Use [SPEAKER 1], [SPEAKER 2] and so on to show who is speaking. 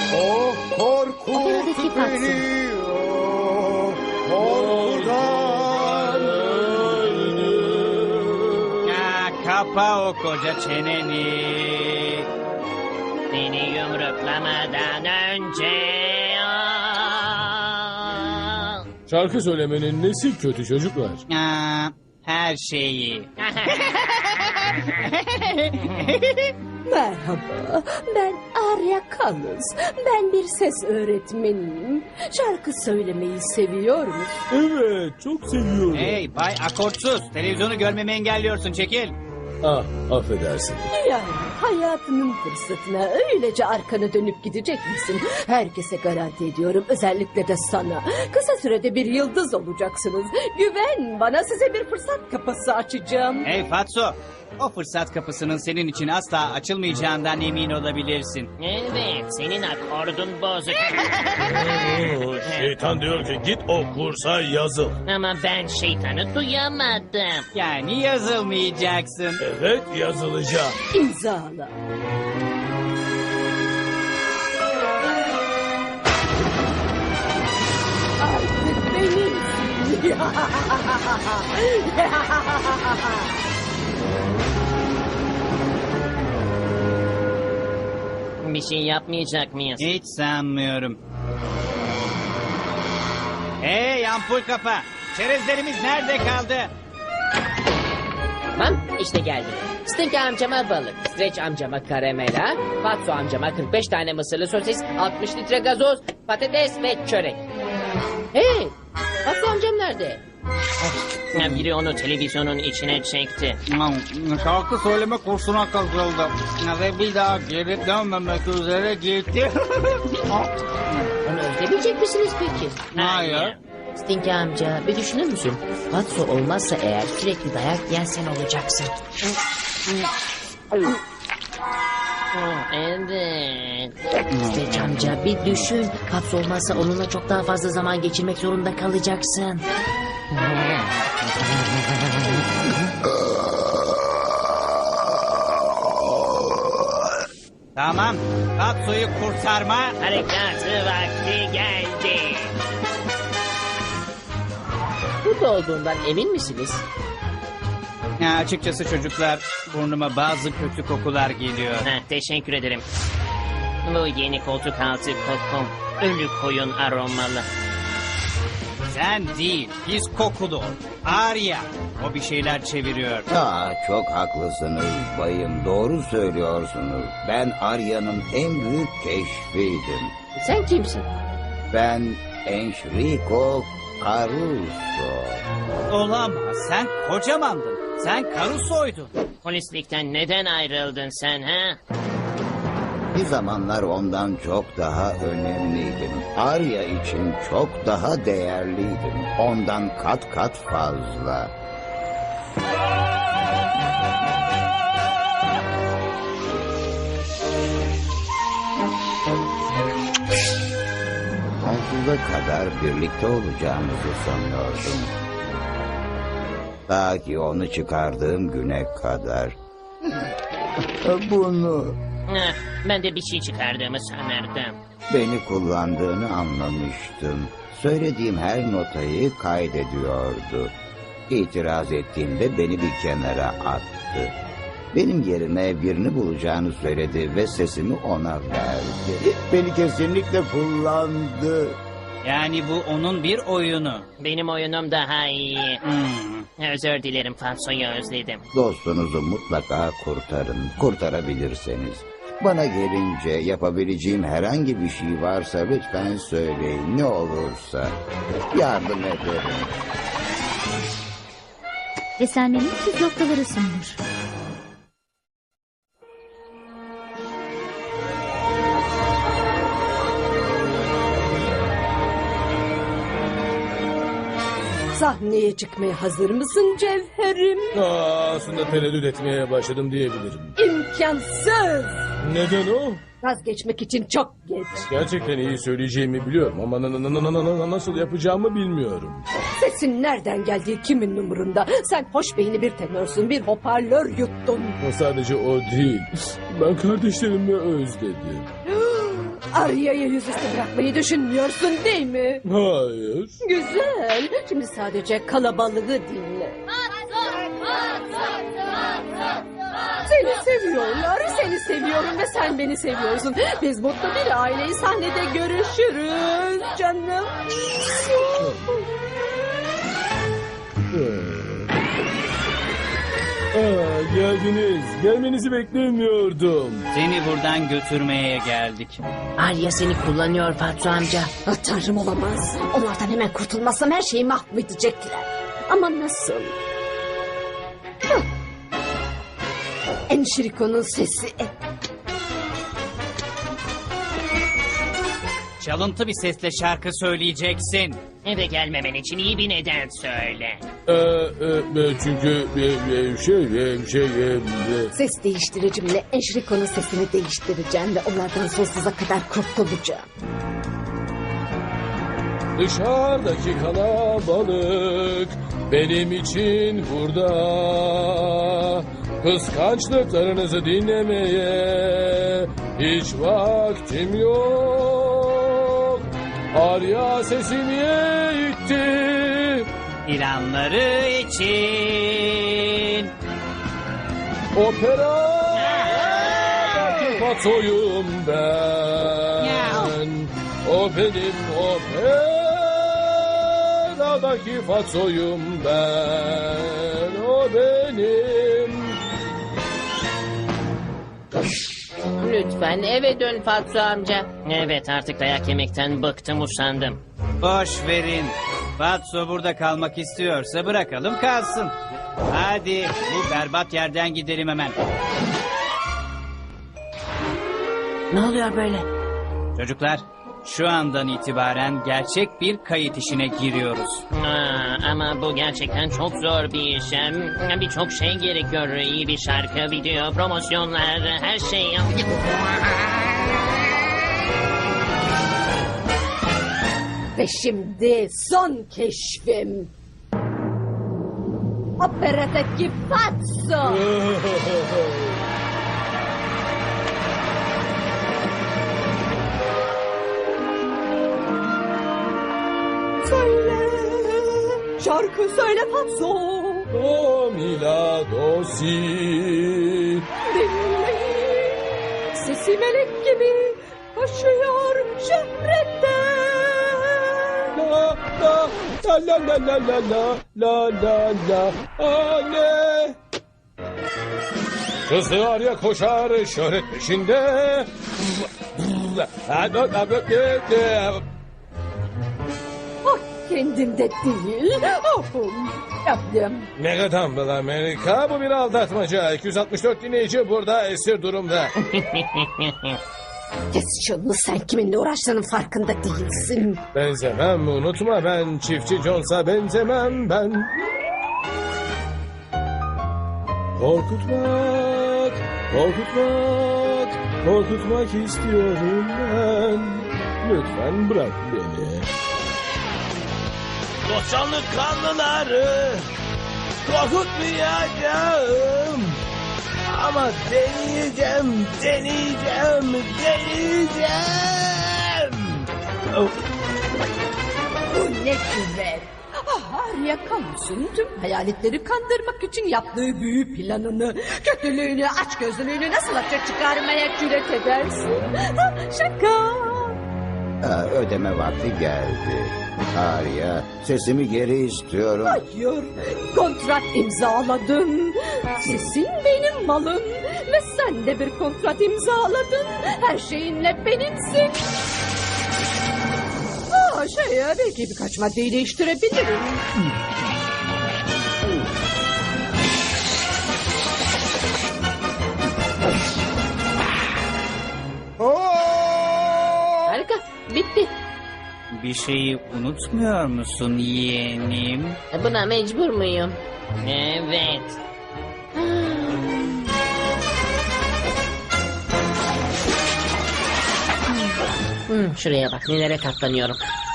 [SPEAKER 1] O korkut
[SPEAKER 2] Operadaki Fatso.
[SPEAKER 1] beni. O korkudan öldüm.
[SPEAKER 3] Ya, kapa o koca çeneni.
[SPEAKER 4] Beni yumruklamadan önce...
[SPEAKER 5] Şarkı söylemenin nesi kötü çocuklar?
[SPEAKER 3] Aa, her şeyi.
[SPEAKER 6] Merhaba, ben Arya Kalız. Ben bir ses öğretmeniyim. Şarkı söylemeyi seviyor musun?
[SPEAKER 5] Evet, çok seviyorum.
[SPEAKER 3] Hey Bay Akortsuz, televizyonu görmemi engelliyorsun, çekil.
[SPEAKER 5] Ah, affedersin.
[SPEAKER 6] Yani hayatının fırsatına öylece arkanı dönüp gidecek misin? Herkese garanti ediyorum, özellikle de sana. Kısa sürede bir yıldız olacaksınız. Güven bana, size bir fırsat kapısı açacağım.
[SPEAKER 3] Hey Fatso, o fırsat kapısının senin için asla açılmayacağından emin olabilirsin.
[SPEAKER 4] Evet, senin akordun bozuk.
[SPEAKER 5] Şeytan diyor ki git o kursa yazıl.
[SPEAKER 4] Ama ben şeytanı duyamadım.
[SPEAKER 3] Yani yazılmayacaksın.
[SPEAKER 5] Evet, yazılacağım.
[SPEAKER 6] İmzala. Artık benim.
[SPEAKER 4] Bir şey yapmayacak mıyız?
[SPEAKER 3] Hiç sanmıyorum. Hey ampul kafa, çerezlerimiz nerede kaldı?
[SPEAKER 7] Tamam, işte geldim. Stink amcama balık, Stretch amcama karamela, Fatso amcama 45 tane mısırlı sosis, 60 litre gazoz, patates ve çörek. Hey, Fatso amcam nerede?
[SPEAKER 4] Ya, biri onu televizyonun içine çekti.
[SPEAKER 3] Şarkı söyleme kursuna katıldı. Ve bir daha geri dönmemek üzere gitti.
[SPEAKER 7] Onu özlemeyecek misiniz peki?
[SPEAKER 3] Hayır.
[SPEAKER 7] Stink amca, bir düşünür müsün? Fatso olmazsa eğer sürekli dayak yiyen sen olacaksın.
[SPEAKER 4] Evet.
[SPEAKER 7] Stretch amca, bir düşün. Fatso olmazsa onunla çok daha fazla zaman geçirmek zorunda kalacaksın.
[SPEAKER 3] Tamam, Fatso'yu kurtarma.
[SPEAKER 4] Harekatı vakti geldi.
[SPEAKER 7] Burada olduğundan emin misiniz?
[SPEAKER 3] Ya, açıkçası çocuklar, burnuma bazı kötü kokular geliyor.
[SPEAKER 4] Teşekkür ederim. Bu yeni koltuk altı kokum. Ölü koyun aromalı.
[SPEAKER 3] Sen değil, biz kokulu. Arya, o bir şeyler çeviriyor.
[SPEAKER 8] Çok haklısınız bayım, doğru söylüyorsunuz. Ben Arya'nın en büyük keşfiydim.
[SPEAKER 7] Sen kimsin?
[SPEAKER 8] Ben Enrico Caruso.
[SPEAKER 3] Olamaz, sen kocamandın. Sen Caruso'ydun.
[SPEAKER 4] Polislikten neden ayrıldın sen ha?
[SPEAKER 8] Bir zamanlar ondan çok daha önemliydim. Arya için çok daha değerliydim. Ondan kat kat fazla. Sonsuza kadar birlikte olacağımızı sanıyordum. Ta ki onu çıkardığım güne kadar. Bunu...
[SPEAKER 4] Ben de bir şey çıkardığımı sanırdım.
[SPEAKER 8] Beni kullandığını anlamıştım. Söylediğim her notayı kaydediyordu. İtiraz ettiğimde beni bir kenara attı. Benim yerine birini bulacağını söyledi ve sesimi ona verdi. Beni kesinlikle kullandı.
[SPEAKER 3] Yani bu onun bir oyunu.
[SPEAKER 4] Benim oyunum daha iyi.
[SPEAKER 3] Hmm.
[SPEAKER 4] Özür dilerim, Fatso'yu özledim.
[SPEAKER 8] Dostunuzu mutlaka kurtarın. Kurtarabilirseniz. Bana gelince yapabileceğim herhangi bir şey varsa lütfen söyleyin. Ne olursa yardım ederim.
[SPEAKER 2] Beslenmenin püf noktaları sunulur.
[SPEAKER 6] Sahneye çıkmaya hazır mısın Cevherim?
[SPEAKER 5] Aslında tereddüt etmeye başladım diyebilirim.
[SPEAKER 6] İmkansız.
[SPEAKER 5] Neden o?
[SPEAKER 6] Vazgeçmek için çok geç.
[SPEAKER 5] Gerçekten iyi söyleyeceğimi biliyorum ama nasıl yapacağımı bilmiyorum.
[SPEAKER 6] Sesin nereden geldiği kimin umurunda? Sen hoş beyni bir tenörsün, bir hoparlör yuttun.
[SPEAKER 5] O sadece o değil. Ben kardeşlerimi özledim.
[SPEAKER 6] Arya'yı yüzüstü bırakmayı düşünmüyorsun değil mi?
[SPEAKER 5] Hayır.
[SPEAKER 6] Güzel. Şimdi sadece kalabalığı dinle. Seni seviyorlar, seni seviyorum ve sen beni seviyorsun. Biz mutlu bir aileyi sahnede görüşürüz canım.
[SPEAKER 5] Geldiniz. Gelmenizi beklemiyordum.
[SPEAKER 3] Seni buradan götürmeye geldik.
[SPEAKER 7] Arya seni kullanıyor Fatso amca.
[SPEAKER 6] Ah, Tanrım olamaz. Onlardan hemen kurtulmazsam her şeyi mahvedecekler. Ama nasıl? Hah. Enşiriko'nun sesi.
[SPEAKER 3] Çalıntı bir sesle şarkı söyleyeceksin.
[SPEAKER 4] Eve gelmemen için iyi bir neden söyle.
[SPEAKER 5] Çünkü
[SPEAKER 6] Ses değiştiricimle Enşiriko'nun sesini değiştireceğim ve onlardan sonsuza kadar kurtulacağım.
[SPEAKER 5] dışarıdaki kalabalık benim için burada. Kıskançlıklarınızı dinlemeye hiç vaktim yok. Arya sesimi itti.
[SPEAKER 3] İlanları için.
[SPEAKER 5] Operadaki Fatso'yum ben. O benim operadaki Fatso'yum ben. O benim.
[SPEAKER 7] Lütfen eve dön Fatso amca.
[SPEAKER 4] Evet, artık dayak yemekten bıktım, usandım.
[SPEAKER 3] Boş verin. Fatso burada kalmak istiyorsa bırakalım kalsın. Hadi bu berbat yerden gidelim hemen.
[SPEAKER 7] Ne oluyor böyle?
[SPEAKER 3] Çocuklar, şu andan itibaren gerçek bir kayıt işine giriyoruz.
[SPEAKER 4] Ama bu gerçekten çok zor bir iş. Birçok şey gerekiyor. İyi bir şarkı, video, promosyonlar, her şey.
[SPEAKER 6] Ve şimdi son keşfim. Operadaki Fatso. Söyle, şarkı söyle Fatso.
[SPEAKER 5] Do mi la do si.
[SPEAKER 6] Dinleyin, sesi melek gibi koşuyor şöhrette.
[SPEAKER 5] La la la la la la la la la anne. Kızı Arya koşar şöhret peşinde.
[SPEAKER 6] Ah, kendimde değil. Yaptım.
[SPEAKER 5] Mega Dumble Amerika, bu bir aldatmaca. 264 dinleyici burada esir durumda.
[SPEAKER 6] Kes şunu, sen kiminle uğraştığının farkında değilsin.
[SPEAKER 5] Benzemem, unutma, ben çiftçi Jones'a benzemem ben. Korkutmak, korkutmak, korkutmak istiyorum ben. Lütfen bırak beni. Dostcanlık kanlıları korkutmayacağım. Ama deneyeceğim.
[SPEAKER 6] Bu ne güven. Arya Kamus'un tüm hayaletleri kandırmak için yaptığı büyü planını, kötülüğünü, açgözlülüğünü nasıl açığa çıkarmaya cüret edersin? Şaka.
[SPEAKER 8] Ödeme vakti geldi. Arya, sesimi geri istiyorum.
[SPEAKER 6] Hayır, kontrat imzaladım. Sesin benim malım ve sen de bir kontrat imzaladın. Her şeyinle benimsin. Belki birkaç maddeyi değiştirebilirim.
[SPEAKER 7] Harika, bitti.
[SPEAKER 3] Bir şeyi unutmuyor musun yeğenim?
[SPEAKER 7] Buna mecbur muyum?
[SPEAKER 4] Evet.
[SPEAKER 7] Şuraya bak, nelere katlanıyorum.